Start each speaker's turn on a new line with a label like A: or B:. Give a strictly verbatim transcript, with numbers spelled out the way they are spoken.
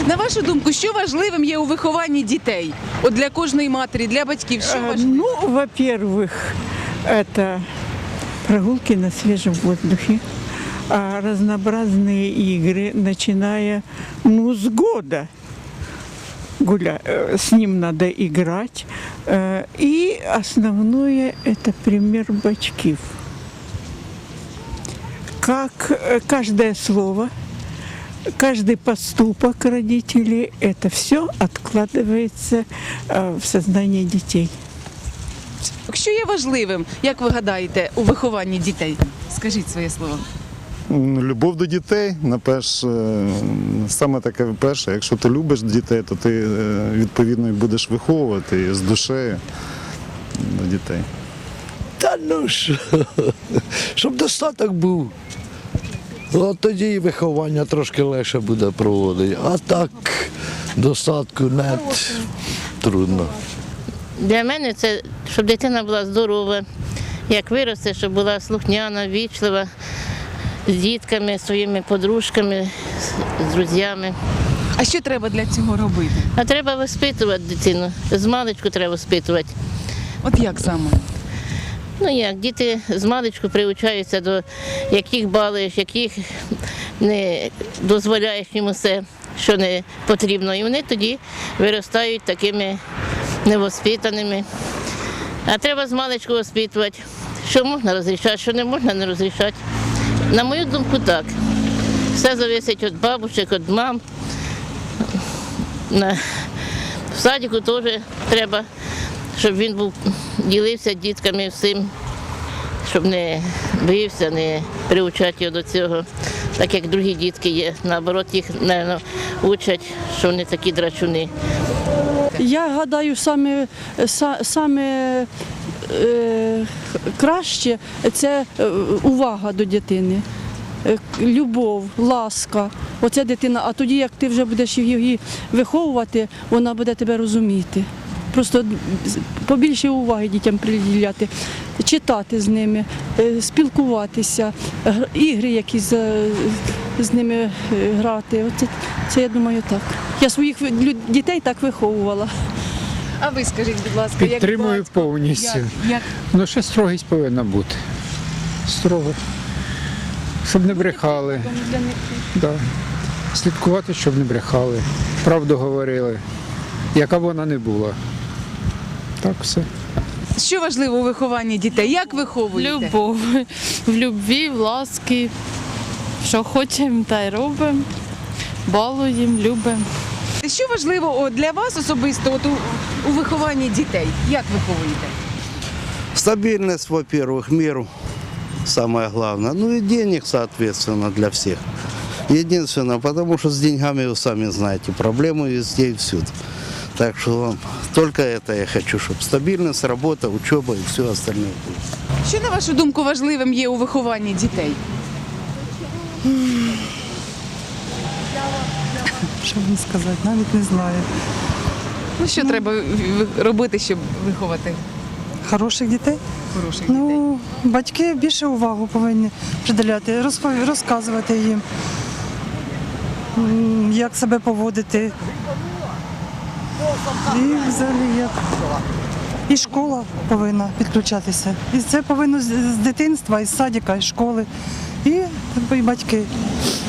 A: На вашу думку, що важливим є у вихованні дітей? От для кожної матері, для батьків, що
B: Э,
A: важливо?
B: Ну, во-первых, это прогулки на свежем воздухе, а разнообразные игры, начиная ну, с года. Гуля... э, С ним надо играть. Э, И основное – это пример батьків. Как э, каждое слово, каждый поступок родителей – это все откладывается э, в сознание детей.
A: Що є важливим, як ви гадаєте, у вихованні дітей? Скажіть своє слово.
C: Любов до дітей, наперше, саме таке перше, якщо ти любиш дітей, то ти е, відповідно і будеш виховувати з душею до дітей.
D: Та ну що, щоб достаток був. От тоді і виховання трошки легше буде проводити. А так достатку нет, трудно.
E: Для мене це, щоб дитина була здорова, як виросте, щоб була слухняна, вічлива, з дітками, своїми подружками, з друзями.
A: А що треба для цього робити?
E: А треба воспитувати дитину, з маличку треба воспитувати.
A: От як саме?
E: Ну як, діти з маличку приучаються до яких балуєш, яких не дозволяєш їм усе, що не потрібно. І вони тоді виростають такими невоспитаними. А треба з маличку воспитувати, що можна розрішати, що не можна не розрішати. На мою думку, так. Все залежить від бабушек, від мам. На... В садику теж треба, щоб він був, ділився дітками всім, щоб не бився, не приучати його до цього, так як другі дітки є. Наоборот, їх, мабуть, учать, що вони такі драчуни.
F: Я гадаю, саме, са- саме е, краще це е, увага до дитини, е, любов, ласка. Оце дитина, а тоді, як ти вже будеш її виховувати, вона буде тебе розуміти. Просто побільше уваги дітям приділяти, читати з ними, е, спілкуватися, гр- ігри якісь з, з ними е, грати. Оце, це, я думаю, так. Я своїх лю- дітей так виховувала.
A: А ви скажіть, будь ласка, як
G: Підтримую
A: батько,
G: повністю.
A: Як, як...
G: Ну, ще строгість повинна бути. Строго. Щоб не брехали. Да. Слідкувати, щоб не брехали. Правду говорили. Яка б вона не була. Так все.
A: Що важливо у вихованні дітей? Як виховуєте?
H: Любов. В любві, в ласки. Що хочемо, та й робимо. Балуємо, любимо.
A: Що важливо о, для вас особисто от у, у вихованні дітей? Як виховуєте?
I: Стабильность, во-первых, миру, самое главное. Ну и денег, соответственно, для всех. Единственное, потому что с деньгами вы сами знаете, проблемы везде и всюду. Так что только это я хочу, чтобы стабильность, работа, учеба и все остальное было.
A: Що, на вашу думку, важливим є у вихованні дітей?
J: Що мені сказати, навіть не знаю.
A: Ну, що треба ви- робити, щоб виховати
J: Хороших дітей?
A: хороших дітей?
J: Ну, батьки більше увагу повинні приділяти, розпов- розказувати їм, м, як себе поводити. І взагалі як. І школа повинна підключатися. І це повинно з з дитинства, із садика, із школи. І, і батьки.